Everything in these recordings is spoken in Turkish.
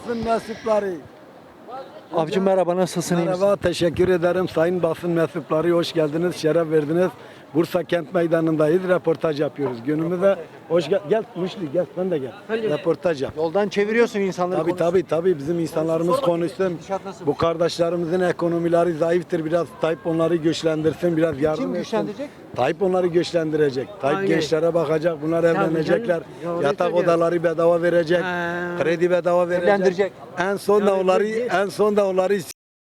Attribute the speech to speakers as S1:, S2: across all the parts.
S1: basın mensupları.
S2: Abicim merhaba, nasılsın? İyi misin?
S1: Merhaba, teşekkür ederim sayın basın mensupları, hoş geldiniz, şeref verdiniz. Bursa Kent Meydanı'ndayız, röportaj yapıyoruz. Günümüzde hoş gel Muşli gel, ben de gel. Röportaj yap.
S2: Yoldan çeviriyorsun insanları.
S1: Tabii bizim insanlarımız konuşsun.
S2: Gidişat nasıl?
S1: Bu kardeşlerimizin ekonomileri zayıftır, biraz Tayyip onları güçlendirsin, biraz yardım
S2: Kim
S1: etsin.
S2: güçlendirecek?
S1: Tayyip onları güçlendirecek. Tayyip
S3: Aynen.
S1: gençlere bakacak, bunlar evlenecekler.
S3: canım, doğru
S1: Yatak
S3: söylüyor.
S1: odaları bedava verecek. Kredi bedava verecek.
S2: Evlendirecek.
S1: En son da onları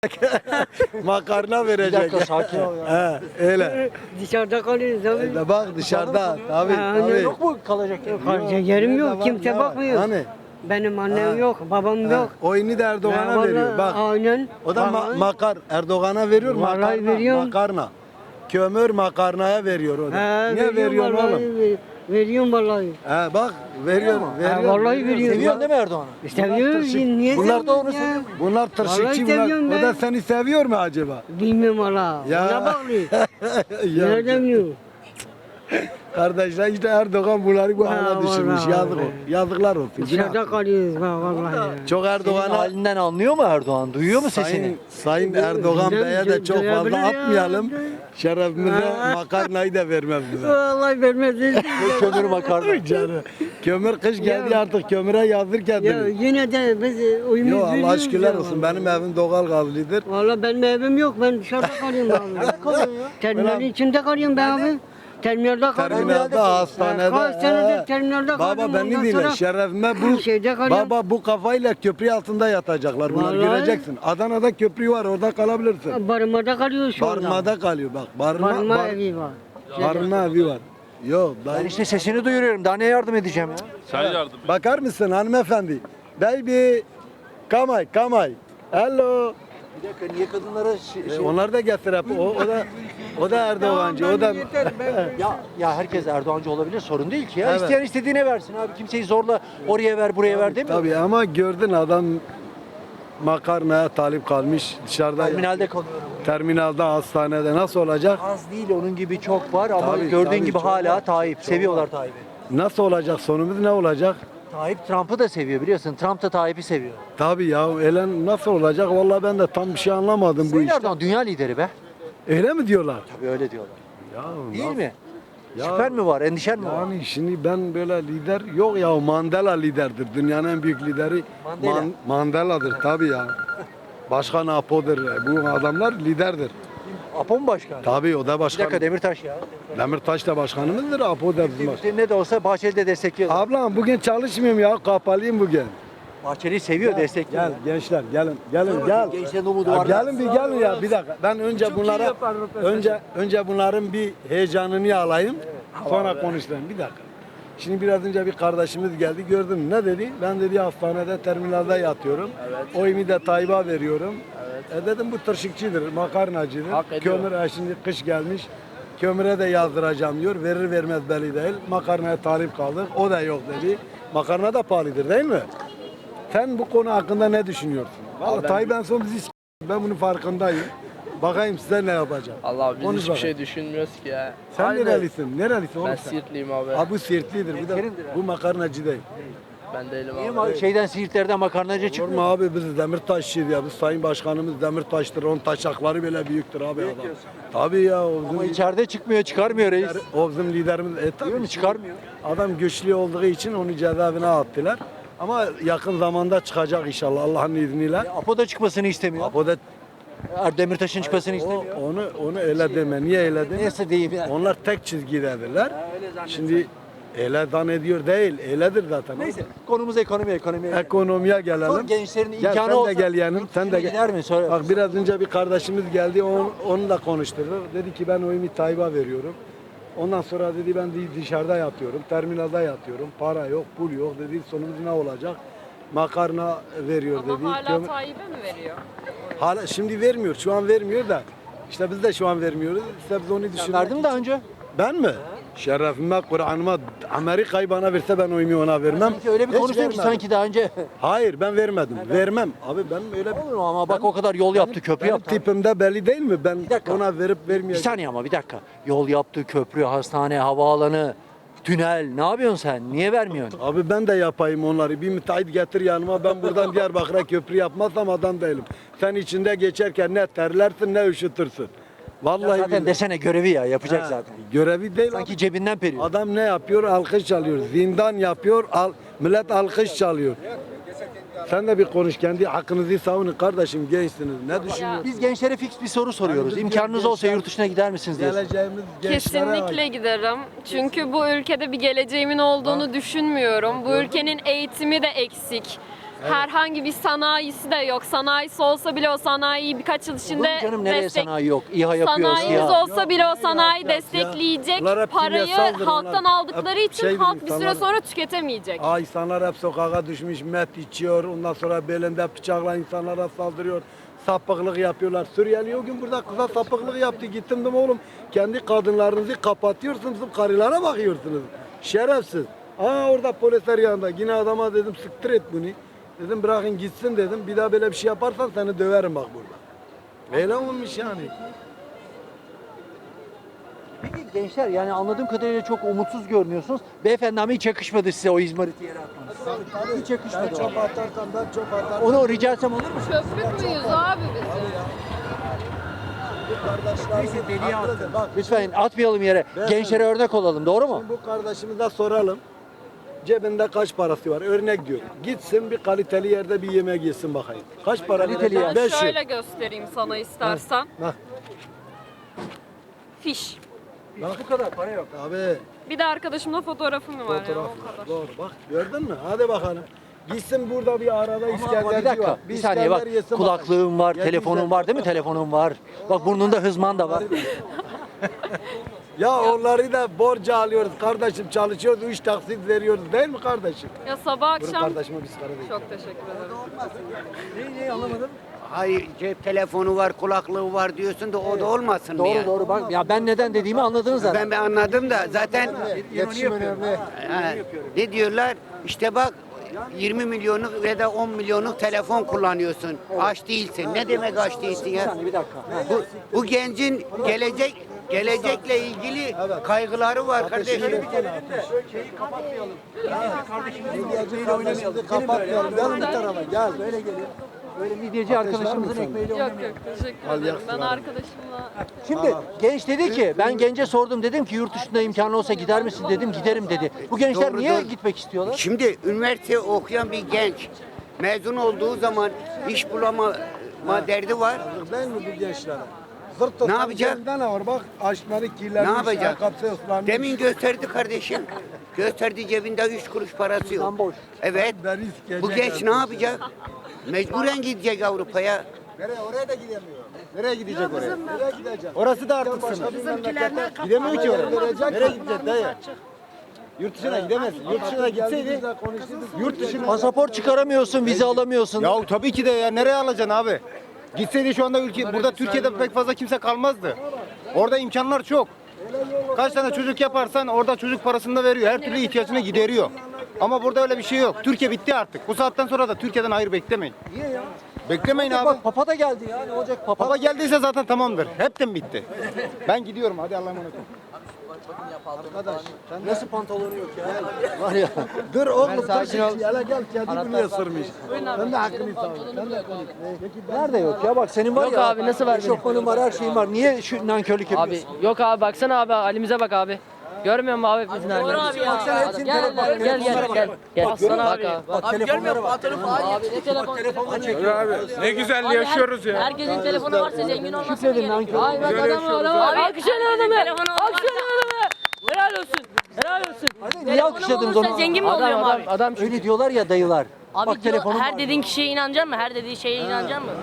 S1: makarna
S2: Bir
S1: verecek.
S2: dakika, sakin ol ya.
S1: He, öyle.
S3: Dışarıda kalıyoruz abi.
S1: Bak dışarıda tabii.
S3: Ha,
S2: Yok mu kalacak yer?
S3: Kalacak yerim
S1: Nerede
S3: yok.
S1: var,
S3: Kimse
S1: ne var?
S3: bakmıyor.
S1: Hani?
S3: Benim annem yok, babam yok.
S1: Oyunu da Erdoğan'a
S3: Ya
S1: veriyor.
S3: vallahi
S1: Bak.
S3: Aynen.
S1: O da Erdoğan'a veriyor
S3: Vallahi
S1: makarna.
S3: veriyorum.
S1: Makarna. Kömür makarnaya veriyor o da.
S3: He,
S1: Niye veriyorsun
S3: vallahi,
S1: oğlum?
S3: Veriyorum vallahi.
S1: He bak veriyor.
S3: vallahi veriyor.
S2: Seviyorsun değil mi Erdoğan'ı?
S3: Seviyorum. Niye
S1: Bunlar
S3: seviyorum
S2: da onu
S3: ya?
S1: Bunlar tırşıkçı
S3: Vallahi
S1: bunlar.
S3: seviyorum
S1: O
S3: ben.
S1: da seni seviyor mu acaba?
S3: Bilmiyorum valla.
S1: Ya.
S3: Ona bağlı.
S1: Ya,
S3: Nereden biliyor?
S1: kardeşler işte Erdoğan bunları bu
S3: Ha,
S1: hale düşürmüş.
S3: vallahi
S1: Yazık
S3: öyle.
S1: o. Yazıklar olsun.
S3: Dışarıda
S1: Günah.
S3: kalıyoruz bak vallahi ya.
S1: Çok
S2: Senin
S1: Erdoğan'a
S2: halinden anlıyor mu Erdoğan? Duyuyor mu sesini?
S1: Sayın Erdoğan
S3: Güzel,
S1: Bey'e de çok
S3: duyabilir
S1: fazla
S3: ya.
S1: atmayalım. Şerefimize makarnayı da vermez bize.
S3: Vallahi vermez.
S2: Kömür makarna.
S1: Canım. Kömür kış geldi
S3: Ya.
S1: artık kömüre yazdır
S3: Ya
S1: kendini.
S3: yine de biz uyumuz
S1: Yo Allah
S3: veriyoruz
S1: şükürler
S3: ya
S1: olsun.
S3: vallahi.
S1: Benim evim doğal gazlıdır.
S3: Valla benim evim yok. Ben dışarıda kalıyorum abi.
S2: Nerede kalıyorsun ya?
S3: Terminalin içinde kalıyorum ben abi. Terminalde kalıyorum.
S1: Terminalde, hastanede.
S3: Kaç senedir
S1: he.
S3: terminalde
S1: Baba
S3: kalıyorum.
S1: beni
S3: Ondan
S1: dinle.
S3: sonra
S1: Şerefime bu.
S3: şeyde kalıyorum.
S1: Baba bu kafayla köprü altında yatacaklar. Bunlar
S3: Vallahi.
S1: göreceksin. Adana'da köprü var. Orada kalabilirsin.
S3: Barınmada kalıyoruz şu anda.
S1: Barınmada kalıyor bak.
S3: Barınma evi var.
S1: Barınma evi var. Yok.
S2: Ben işte sesini duyuruyorum. Daha ne yardım edeceğim ya?
S4: Sen yardım et.
S1: Bakar mısın hanımefendi? Baby. Kamay. Hello.
S2: Bir dakika, niye kadınlara
S1: Onlar da getir hep. O da Erdoğancı. O da
S2: ya herkes Erdoğancı olabilir, sorun değil ki ya.
S1: Evet.
S2: İsteyen istediğine versin abi. Kimseyi zorla oraya ver, buraya ver demiyor.
S1: tabii ama gördün adam makarnaya talip kalmış dışarıda.
S2: Terminalde kalıyorum.
S1: Terminalde, hastanede nasıl olacak?
S2: Az değil, onun gibi çok var ama
S1: Tabii,
S2: gördüğün
S1: tabii,
S2: gibi
S1: çok
S2: hala
S1: var.
S2: Tayyip. Seviyorlar Tayyip'i.
S1: Nasıl olacak? Sonumuz ne olacak?
S2: Tayyip Trump'ı da seviyor biliyorsun. Trump da Tayyip'i seviyor.
S1: Tabii ya Elen nasıl olacak? Vallahi ben de tam bir şey anlamadım bu
S2: Sayın
S1: işte.
S2: Erdoğan dünya lideri be.
S1: Öyle mi diyorlar?
S2: Tabii öyle diyorlar.
S1: Ya
S2: Değil
S1: nasıl-
S2: mi?
S1: Ya-
S2: Şüphen mi var, endişen mi var?
S1: Yani şimdi ben böyle lider yok ya Mandela liderdir. Dünyanın en büyük lideri
S2: Mandela.
S1: Mandela'dır tabii ya. Başkan Apo'dur. Bu adamlar liderdir.
S2: Apo mu başkan?
S1: Tabii o da
S2: Bir
S1: başkan.
S2: dakika, Demirtaş ya.
S1: Demirtaş da başkanımızdır. Apo da bizim başkan.
S2: Ne de olsa Bahçeli de destekliyor.
S1: Ablam bugün çalışmıyorum ya. Kapalıyım bugün.
S2: Bahçeli'yi seviyor, destekliyor.
S1: Gel gençler gelin gel.
S2: Gençlerin umudu
S1: Ya
S2: var.
S1: gelin bir gelin ya bir dakika. Ben önce bunlara önce bunların bir heyecanını alayım. Sonra konuşalım. Bir dakika. Şimdi biraz önce bir kardeşimiz geldi. Gördün mü? Ne dedi? Ben dedi hastanede terminalde yatıyorum. Oyumu da Tayyip'e veriyorum. Dedim bu tırşıkçıdır, makarnacıdır. Kömür şimdi kış gelmiş. Kömüre de yazdıracağım diyor. Verir vermez belli değil. Makarnaya talip kaldık. O da yok dedi. Makarna da pahalıdır değil mi? Sen bu konu hakkında ne düşünüyorsun? Vallahi Tayyip en son bizi ben bunun farkındayım. Bakayım size ne yapacak.
S4: Allah biz
S1: Konuş
S4: hiçbir
S1: bakalım.
S4: şey düşünmüyoruz ki ya.
S1: Sen nerelisin? Nerelisin oğlum
S4: Ben
S1: sen?
S4: Siirtliyim abi.
S1: Ha bu Siirtlidir. Bu makarnacı değil.
S4: Ben değilim
S2: Niye
S4: abi.
S2: şeyden Siirtlerden makarnacı
S1: Olur
S2: çıkmıyor?
S1: mu abi biz Demirtaşçıyız ya. Biz Sayın Başkanımız Demirtaş'tır. Onun taşakları bile büyüktür abi adam. Tabii ya o
S2: Ama
S1: bizim,
S2: içeride çıkmıyor, çıkarmıyor reis.
S1: o bizim liderimiz. Tabii
S2: Değil mi? Çıkarmıyor.
S1: Adam güçlü olduğu için onu cezaevine attılar. Ama yakın zamanda çıkacak inşallah Allah'ın izniyle.
S2: Apo da çıkmasını istemiyor.
S1: O da
S2: Demirtaş'ın çıkmasını istemiyor.
S1: onu öyle deme. Niye öyle deme?
S2: Neyse diyeyim yani.
S1: Onlar tek çizgidedirler. Şimdi öyle zannediyor değil. Öyledir zaten.
S2: Neyse, konumuz ekonomi.
S1: Ekonomiye
S2: Sor
S1: gelelim.
S2: gençlerin
S1: Gel,
S2: imkanı
S1: sen
S2: olsa.
S1: de gel yanım. Sen de
S2: Gider mi? Söyle.
S1: Bak biraz önce bir kardeşimiz geldi. Onu da konuşturduk. Dedi ki ben oyumu Tayyip'e veriyorum. Ondan sonra dedi ben dışarıda yatıyorum. Terminalde yatıyorum. Para yok, pul yok dedi. Sonumuz ne olacak? Makarna veriyor dedi.
S5: Ama hala Tayyip'e mi veriyor?
S1: Hala şimdi vermiyor. Şu an vermiyor da. İşte biz de şu an vermiyoruz. İşte biz onu düşünüyoruz.
S2: Verdin mi daha önce?
S1: Ben mi? Şerefime, Kur'an'ıma, Amerika'yı bana verse ben oyumu ona vermem.
S2: Sanki öyle bir
S1: Hiç
S2: konuşuyorsun ki
S1: vermedim.
S2: sanki daha önce.
S1: Hayır ben vermedim. Vermem. Abi ben öyle
S2: Olur mu ama bak o kadar yol yaptı, köprü
S1: benim
S2: yaptı.
S1: tipimde belli değil mi? Ben
S2: dakika.
S1: ona verip
S2: Bir
S1: vermeyeceğim.
S2: saniye ama bir dakika. Yol yaptı, köprü, hastane, havaalanı. tünel. Ne yapıyorsun sen? Niye vermiyorsun?
S1: Abi ben de yapayım onları. Bir müteahhit getir yanıma. Ben buradan Diyarbakır'a köprü yapmazsam adam değilim. Sen içinde geçerken ne terlersin ne üşütürsün. Vallahi
S2: Zaten
S1: billahi.
S2: desene görevi ya yapacak zaten.
S1: Görevi değil.
S2: Sanki
S1: abi.
S2: cebinden periyor.
S1: Adam ne yapıyor? Alkış çalıyor. Zindan yapıyor. Millet alkış çalıyor. Sen de bir konuş. Kendi hakkınızı savunun kardeşim. Gençsiniz. Ne düşünüyorsunuz?
S2: Biz gençlere fix bir soru soruyoruz.
S1: biz
S2: İmkanınız olsa
S1: gençler-
S2: yurt dışına gider misiniz diye.
S1: Geleceğimiz gençlere
S5: Kesinlikle
S1: ait.
S5: giderim. Çünkü bu ülkede bir geleceğimin olduğunu düşünmüyorum. Bu ülkenin eğitimi de eksik. Herhangi bir sanayisi de yok. Sanayisi olsa bile o sanayiyi birkaç yıl
S2: Olur mu
S5: içinde
S2: canım nereye sanayi yok? İHA yapıyor,
S5: Sanayimiz
S2: SİHA.
S5: olsa bile o sanayi
S1: Yok ya.
S5: destekleyecek
S1: Bunlar hep
S5: parayı
S1: kimyasaldır,
S5: halktan
S1: bunlar.
S5: aldıkları
S1: Hep
S5: için
S1: şeydir
S5: halk bir süre
S1: insanlar.
S5: sonra tüketemeyecek.
S1: İnsanlar hep sokağa düşmüş, met içiyor. Ondan sonra belinde bıçakla insanlara saldırıyor. Sapıklık yapıyorlar. Suriyeli o gün burada kıza sapıklık yaptı. Gittim dedim oğlum kendi kadınlarınızı kapatıyorsunuz. Karılara bakıyorsunuz. Şerefsiz. Orada polisler yanında. Yine adama dedim siktir et bunu. Dedim bırakın gitsin dedim. Bir daha böyle bir şey yaparsan seni döverim bak burada. Öyle olmuş yani.
S2: Peki gençler yani anladığım kadarıyla çok umutsuz görünüyorsunuz. Beyefendi ama hiç yakışmadı size o izmariti yere atmanız. Hiç yakışmadı.
S1: Ben çöp atarsam ben çöp atarım.
S2: Onu rica etsem olur mu?
S5: Çöplük müyüz abi biz?
S1: Neyse deliye attın. Bak
S2: Lütfen atmayalım yere. Gençlere örnek olalım doğru mu?
S1: şimdi bu kardeşimize soralım. Cebinde kaç parası var? Örnek diyor. Gitsin bir kaliteli yerde bir yemek yesin bakayım. Kaç para
S2: Kaliteli
S1: verecek?
S2: yer.
S5: Ben
S1: 500.
S5: şöyle göstereyim sana istersen.
S1: Bak
S5: Fiş.
S2: Bu kadar para yok.
S1: abi
S5: Bir de arkadaşımla fotoğrafım var ya
S1: fotoğraf
S5: o kadar.
S1: doğru bak gördün mü? Hadi bakalım. Gitsin burada bir arada
S2: Ama
S1: İskenderci
S2: bir dakika,
S1: var.
S2: bir saniye bak.
S1: İskender yesin
S2: Kulaklığım var,
S1: bakayım.
S2: telefonum var değil mi? Telefonum var. Bak burnunda hızman da var.
S1: Ya onları da borca alıyoruz kardeşim çalışıyoruz 3 taksit veriyoruz değil mi kardeşim?
S5: Ya sabah
S1: Buyurun
S5: akşam
S1: kardeşime biz para değil.
S5: çok teşekkür ederim.
S2: Neyi anlamadım.
S6: Hayır cep telefonu var, kulaklığı var diyorsun da o da olmasın mı
S2: Doğru
S6: ya?
S2: doğru bak. Ya ben neden dediğimi anladınız zaten.
S6: Ben anladım da zaten
S1: İletişim önemli.
S6: ha, ne diyorlar? İşte bak 20 milyonluk ya da 10 milyonluk telefon kullanıyorsun. Aç değilsin. Ne demek aç değilsin
S2: Bir
S6: ya?
S2: saniye bir dakika.
S6: Bu gencin gelecekle ilgili kaygıları var kardeşim.
S2: Şeyi kapatmayalım.
S1: Medyacı oynamayalım. Kapatmayalım. Gel bir tarafa gel.
S2: Böyle gelin. Böyle midyeci arkadaşımızın ekmeğiyle
S5: Yok
S2: oynamayalım.
S5: yok teşekkür
S1: Al
S5: ederim.
S1: yaksın
S5: Ben
S1: abi.
S5: arkadaşımla
S2: Şimdi genç dedi ki ben gence sordum dedim ki yurt dışında imkanı olsa gider misin dedim giderim dedi. Bu gençler
S6: Doğru,
S2: niye
S6: doğru.
S2: gitmek istiyorlar?
S6: Şimdi üniversite okuyan bir genç mezun olduğu zaman iş bulama derdi var.
S1: Değil mi bu gençlere?
S6: Ne yapacak?
S1: Ne var bak açları kirlenmiş.
S6: Ne yapacak?
S1: ayakkabısı ıslanmış.
S6: Demin gösterdi kardeşim. Gösterdi cebinde 3 kuruş parası yok.
S2: Tam boş.
S6: Evet.
S1: Ben risk
S6: Bu genç ne yapacak? Mecburen gidecek Avrupa'ya.
S1: Nereye? Oraya da gidemiyor. Nereye gidecek oraya? Nereye gidecek?
S7: Orası da artık sınır. Gidemiyor ki oraya. Nereye gidecek dayı? Yurt dışına gidemez. Yurt dışına gitseydi yurt dışına.
S2: Pasaport çıkaramıyorsun, vize alamıyorsun.
S7: Ya tabii ki de ya nereye alacaksın abi? Gitseydi şu anda burada Türkiye'de pek fazla kimse kalmazdı. Orada imkanlar çok. Kaç tane çocuk yaparsan orada çocuk parasını da veriyor. Her türlü ihtiyacını gideriyor. Ama burada öyle bir şey yok. Türkiye bitti artık. Bu saatten sonra da Türkiye'den hayır beklemeyin.
S2: Niye ya?
S7: Beklemeyin abi.
S2: Bak Papa da geldi ya ne olacak Papa?
S7: Baba geldiyse zaten tamamdır. Hepten bitti. Ben gidiyorum. Hadi Allah'a emanet olun.
S2: Nasıl pantolonu yok ya? Var ya.
S1: Dur oğlum dur. Hele gel kedi bunu ısırmış. Sen de hakkını savun. Sen de konuş.
S2: Nerede yok ya bak senin var
S8: Yok
S2: ya.
S8: abi, nasıl var benim?
S2: Eşofmanın var her şeyin var. Niye şu nankörlük
S8: Abi
S2: yapıyorsun?
S8: yok abi baksana abi halimize bak abi. Görmüyor musun abi bizim halimizi?
S2: Baksana hepsinin
S8: Gel
S2: telefonu- bak,
S8: gel gel
S2: telefonlara
S8: gel.
S2: bak.
S8: Gel.
S2: Bak, görüyor
S8: Bak
S2: musun?
S8: abi.
S2: Bak telefonlara bak.
S8: Abi ne telefon?
S2: Telefonla çekiyor.
S9: Ne güzel yaşıyoruz ya.
S8: Herkesin telefonu varsa zengin olmasın.
S2: Şükredin nankör.
S8: Ay bak adamı alkışlayın adamı. Alkışlayın adamı. Helal olsun. Helal olsun.
S2: Hadi niye alkışladınız onu?
S8: Zengin mi oluyorum abi? Adam
S2: Öyle diyorlar ya dayılar.
S8: Abi
S2: Bak
S8: diyor,
S2: telefonum
S8: her
S2: var.
S8: dediğin kişiye inanacaksın mı? Her dediği şeye inanacaksın mı?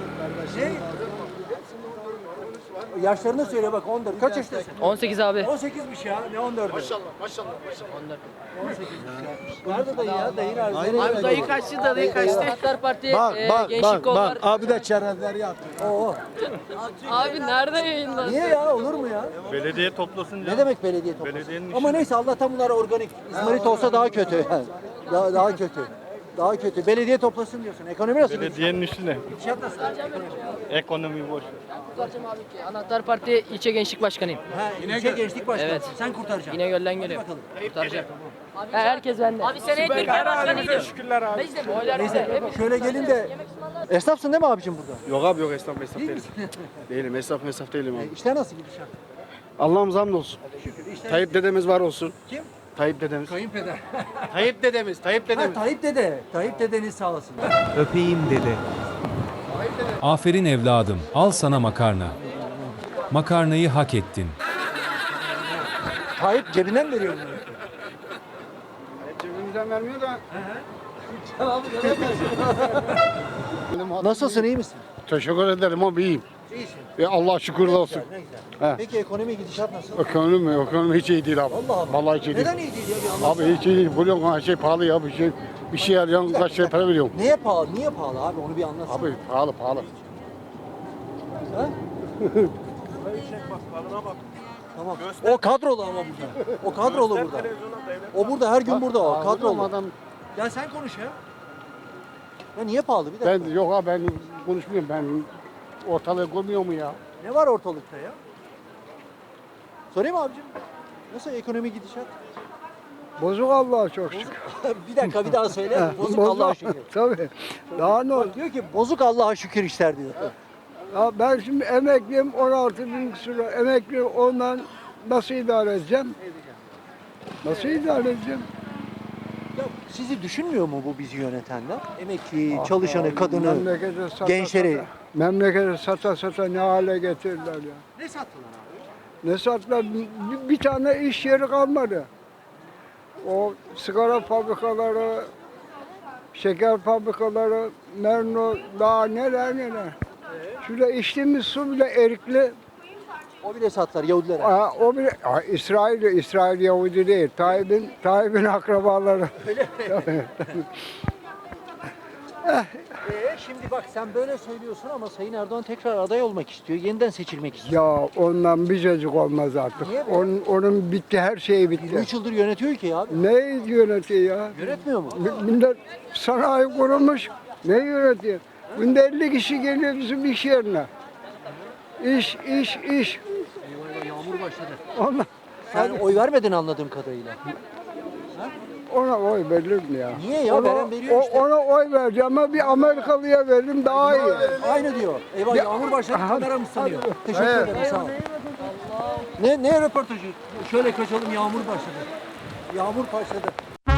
S2: Yaşlarını söyle bak 14. Kaç yaşındasın?
S8: 18 abi.
S2: 18'miş ya. Ne 14'ü? Maşallah. 18'miş ya. Nerede dayı ya? Dayı nerede?
S8: Abi dayı kaçtı da dayı kaçtı. Demokratlar Parti
S1: Bak bak
S8: gençlik
S1: bak
S8: kollar.
S1: bak. Abi de çerezleri yaptı.
S2: Oo.
S5: abi nerede yayınlandı?
S2: Niye ya? Olur mu ya?
S9: Belediye toplasın
S2: Ne demek belediye toplasın?
S9: Belediyenin
S2: Ama neyse Allah'tan bunlar organik. İzmarit olsa daha kötü yani. Daha kötü. Daha kötü. Belediye toplasın diyorsun. Ekonomi nasıl?
S9: Belediyenin üstüne.
S2: Gidişat nasıl?
S9: Ekonomi boş.
S8: Anahtar Parti ilçe gençlik başkanıyım.
S2: Ha, ilçe gençlik başkanı.
S8: Evet.
S2: Sen kurtaracaksın.
S8: İnegöl'den
S2: Hadi
S8: geliyorum.
S2: bakalım.
S8: Kurtaracağım. Herkes bende. Abi sen ettin.
S9: Şükürler abi.
S2: Neyse şöyle gelin de esnafsın değil mi abicim burada?
S1: Yok abi yok esnaf
S2: Değil
S1: değilim.
S2: misin?
S1: Değilim esnaf değilim abi.
S2: İşler nasıl gidişat?
S1: Allah'ımız hamdolsun.
S2: Şükür. İşler
S1: Tayyip dedemiz var olsun.
S2: Kim?
S1: Tayyip dedemiz.
S2: Kayınpeder.
S1: Tayyip dedemiz. Tayyip
S2: Ha, Tayyip dede. Tayyip dedeniz sağ olsun.
S10: Öpeyim dede.
S11: Aferin evladım, al sana makarna. Makarnayı hak ettin.
S2: Tayyip cebinden veriyor bunları.
S1: Cebimizden vermiyor da.
S2: Nasılsın, iyi misin?
S1: Teşekkür ederim abi iyiyim.
S2: İyisin.
S1: Allah şükürler olsun.
S2: Ne güzel.
S1: He.
S2: Peki ekonomi gidişat nasıl?
S1: Ekonomi hiç iyi değil abi.
S2: Allah Allah.
S1: Vallahi hiç iyi değil.
S2: Neden iyi değil ya bir anlatsana.
S1: Abi hiç iyi değil. Biliyorsun her şey pahalı ya. Bir şey arayan kaç lira para veriyorum.
S2: Neye pahalı? Niye pahalı abi? Onu bir anlatsana.
S1: Abi pahalı.
S2: Ha? Tamam. O kadrolu ama burada. O kadrolu burada. O burada her gün burada o kadrolu.
S1: Adam,
S2: Ya sen konuş ya. Ya niye pahalı bir dakika?
S1: ben yok abi ben konuşmuyorum. Ben ortalığı görmüyor mu ya?
S2: Ne var ortalıkta ya? Sorayım mı abicim? Nasıl ekonomi gidişat?
S1: Bozuk Allah'a çok şükür.
S2: Bir dakika bir daha söyle. Bozuk Allah'a şükür.
S1: Tabii. Daha ne olur?
S2: Bak diyor ki bozuk Allah'a şükür işler diyor.
S1: Ya ben şimdi emekliyim 16.000 küsur lira. Emekli ondan nasıl idare edeceğim? Nasıl idare edeceğim?
S2: Ya sizi düşünmüyor mu bu bizi yönetenler? Emekli, çalışanı, kadını,
S1: Memlekete sata
S2: gençleri.
S1: Sata, memlekete sata ne hale getirdiler ya.
S2: Ne sattılar abi?
S1: Ne sattılar? Bir tane iş yeri kalmadı. O sigara fabrikaları, şeker fabrikaları, Merno, daha neler. Şurada içtiğimiz su bile erikli.
S2: O bile sattılar Yahudilere.
S1: O bile İsrail Yahudi değil. Tayyip'in akrabaları.
S2: Şimdi bak sen böyle söylüyorsun ama Sayın Erdoğan tekrar aday olmak istiyor. Yeniden seçilmek istiyor.
S1: Ya ondan bir cacık olmaz artık.
S2: Niye be?
S1: Onun bitti, her şeyi bitti.
S2: 3 yıldır yönetiyor ülkeyi abi.
S1: Ne yönetiyor ya?
S2: Yönetmiyor mu?
S1: Millet sanayi kurulmuş. Ne yönetiyor? Günde 50 kişi geliyor bizim iş yerine. İş.
S2: Eyvah yağmur başladı.
S1: Ona,
S2: Sen oy vermedin anladığım kadarıyla.
S1: ona oy verilir mi ya?
S2: Niye ya? Veren veriyor işte.
S1: Ona oy vereceğim ama bir Amerikalıya veririm daha iyi.
S2: Aynı diyor. Eyvah yağmur başladı kameramız sanıyor. Teşekkür
S1: Evet.
S2: ederim sağ ol. Ne röportajı? Şöyle kaçalım yağmur başladı. Yağmur başladı.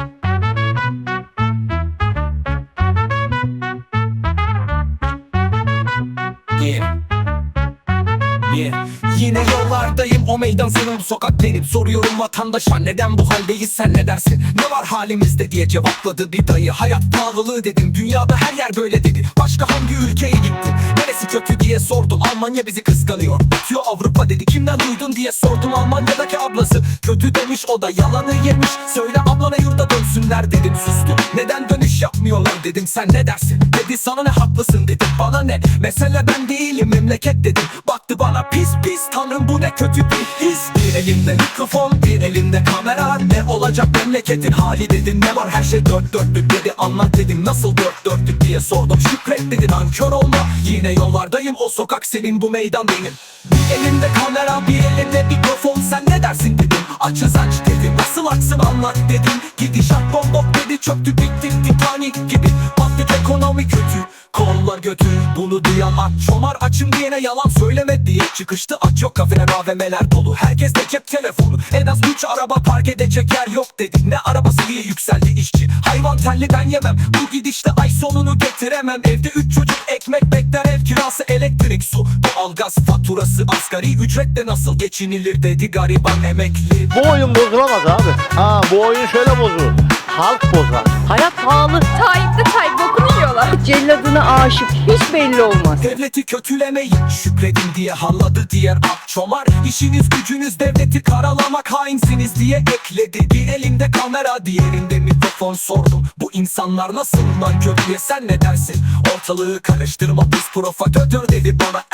S10: Yine yollardayım, o meydan senin, bu sokak benim. Soruyorum vatandaşa, neden bu haldeyiz, sen ne dersin? Ne var halimizde diye cevapladı bir dayı. Hayat pahalılığı dedim, dünyada her yer böyle dedi. Başka hangi ülkeye gittin, neresi kötü diye sordum. Almanya bizi kıskanıyor, bitiyor Avrupa dedi. Kimden duydun diye sordum, Almanya'daki ablası. Kötü demiş, o da yalanı yemiş. Söyle ablana yurda dönsünler dedim, sustu. Neden dönüş yapmıyorlar dedim, sen ne dersin? Dedi sana ne, haklısın dedim, bana ne? Mesele ben değilim, memleket dedim. Baktı bana pis tanrım bu ne kötü bir his. Bir elinde mikrofon, bir elinde kamera. Ne olacak memleketin hali dedim. Ne var, her şey dört dörtlük dedi. Anlat dedim, nasıl dört dörtlük diye sordum. Şükret dedi, nankör olma. Yine yollardayım, o sokak senin, bu meydan benim. Bir elinde kamera, bir elinde mikrofon. Sen ne dersin dedim, açız aç dedim. Nasıl açsın anlat dedim. Gidişat bombok dedi, çöktü bitti Titanic gibi. Battık, ekonomi kötü, kollar götür. Bunu duyan aç çomar, açım diyene yalan söyleme diye çıkıştı. Aç yok, kafeler AVM'ler dolu, herkes de cep telefonu. En az 3 araba park edecek yer yok dedik. Ne arabası diye yükseldi işçi. Hayvan telli ben yemem, bu gidişte ay sonunu getiremem. Evde 3 çocuk ekmek bekler, ev kirası, elektrik, su, doğalgaz faturası. Asgari ücretle nasıl geçinilir dedi gariban emekli.
S12: Bu oyun bozulamaz abi. Bu oyun şöyle bozulur. Halk bozar.
S8: Hayat pahalı.
S5: Tayyip bokunu yiyorlar.
S8: Celladına aşık hiç belli olmaz.
S10: Devleti kötülemeyin, şükredin diye halladı diğer akçomar. İşiniz gücünüz devleti karalamak, hainsiniz diye ekledi. Bir elinde kamera, diğerinde mikrofon, sordum. Bu insanlar nasıl lan kötüye, sen ne dersin? Ortalığı karıştırma, biz provokatör dedi bana. Ermeni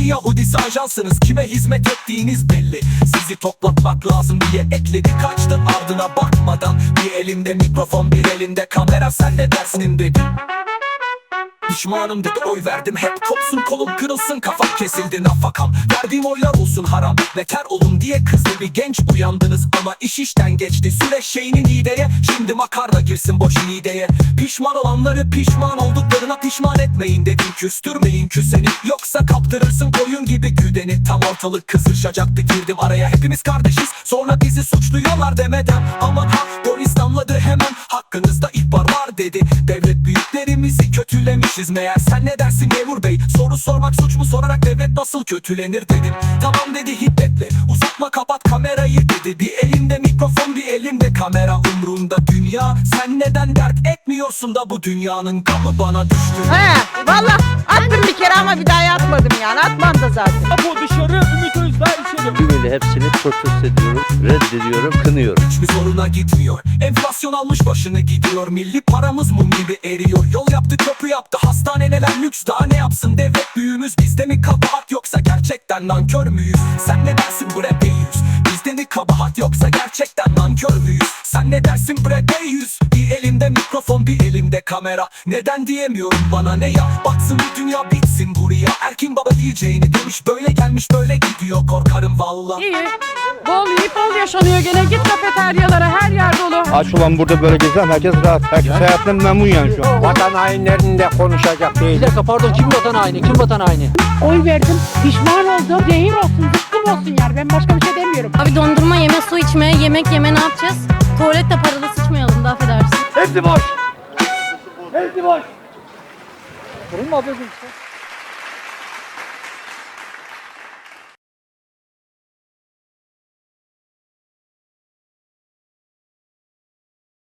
S10: Yahudisi ajansınız, kime hizmet ettiğiniz belli. Sizi toplatmak lazım diye ekledi, kaçtın ardına bakmadan. Bir elimde mikrofon, bir elinde kamera, sen ne dersin dedi. Pişmanım dedi, oy verdim hep. Kopsun kolum kırılsın, kafam kesildi nafakam. Verdiğim oylar olsun haram, beter olun diye kızdı bir genç. Uyandınız ama iş işten geçti. Süreç şeyinin ideye, şimdi makarna girsin boş ideye. Pişman olanları pişman olduklarına pişman etmeyin dedim. Küstürmeyin küseni, yoksa kaptırırsın koyun gibi güdeni. Tam ortalık kızışacaktı, girdim araya. Hepimiz kardeşiz, sonra bizi suçluyorlar demeden. Aman ha, polis damladı hemen, hakkınızda ihbar var dedi. Devlet büyüklerimizi kötülemişiz meğer. Sen ne dersin memur bey? Soru sormak suç mu, sorarak devlet nasıl kötülenir dedim. Tamam dedi hiddetle, uzatma kapat kamerayı dedi. Bir elimde mikrofon, bir elimde kamera, umrunda dünya. Sen neden dert etmiyorsun da bu dünyanın gamı bana düştü.
S8: He valla attım bir kere ama bir daha atmadım yani, atmam da zaten.
S9: Apo dışarı, Ümit Özdağ içeri.
S12: Tümüyle hepsini protesto ediyorum, reddediyorum, kınıyorum.
S10: Hiçbir soruna gitmiyor. Enflasyon almış başını gidiyor. Milli paramız mum gibi eriyor. Yol yaptı, köprü yaptı, hastaneler lüks, daha ne yapsın devlet büyüğümüz? Bizde mi kabahat yoksa gerçekten nankör müyüz? Sen ne dersin bu rap yüz? Bizde mi kabahat yoksa gerçekten nankör müyüz? Sen ne dersin bre yüz? Bir elimde mikrofon, bir elimde kamera. Neden diyemiyorum bana ne ya? Baksın bir dünya bitsin buraya. Erkin baba diyeceğini demiş, böyle gelmiş böyle gidiyor, korkarım valla.
S8: İyi. Bol yiyip bol yaşanıyor gene. Git kafeteryalara, her yer dolu.
S12: Aç olan burada böyle gezen herkes rahat. Herkes hayatından memnun yani şu an.
S7: Vatan hainlerinde konuşacak değil.
S2: Bir dakika pardon, kim vatan haini? Kim vatan haini?
S3: Oy verdim. Pişman oldum. Zehir olsun, zıkkım olsun yani. Ben başka bir şey demiyorum.
S5: Abi dondurma yeme, su içme, yemek yeme ne yapacağız? Tuvalette paralı sıçmayalım da affedersin.
S9: Hepsi boş. Hepsi boş.
S2: Sorun mu ablacığım?